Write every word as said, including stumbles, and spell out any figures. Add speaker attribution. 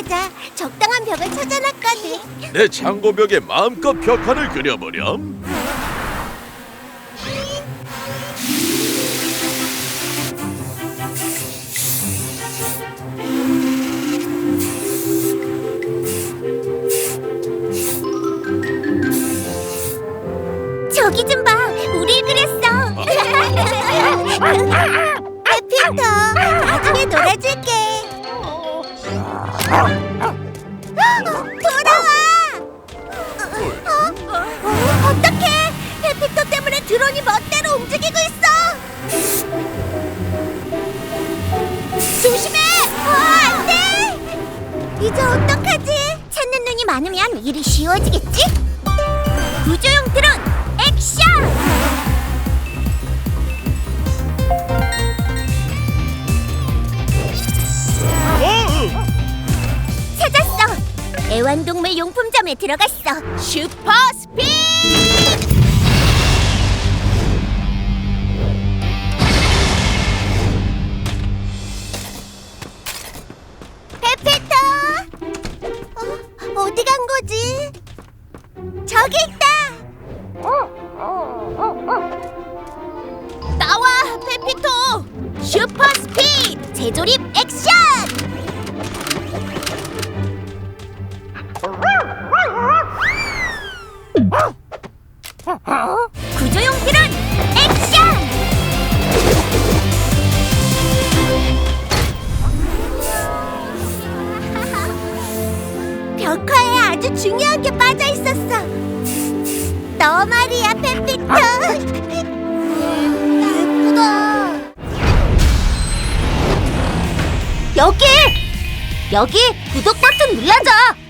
Speaker 1: 맞아. 적당한 벽을 찾아놨거든.
Speaker 2: 내 창고벽에 마음껏 벽화를 그려보렴.
Speaker 1: 저기 좀 봐. 우릴 그렸어. 해피터, 나중에 놀아줄게. 돌아와. 어? 어? 어떡해. 해피터 때문에 드론이 멋대로 움직이고 있어. 조심해. 어, 안 돼. 이제 어떡하지? 찾는 눈이 많으면 일이 쉬워지겠지? 구조용 드론 액션! 찾았어! 애완동물 용품점에 들어갔어. 슈퍼 스피드! 페페터! 어, 어디 간 거지? 저기 있다! 나와, 페피토! 슈퍼 스피드! 재조립 액션! 구조용 드론 액션! 벽화에 아주 중요한 게 빠져 있었어. 너 말이야, 페피토. 예쁘다. 여기! 여기 구독 버튼 눌러줘.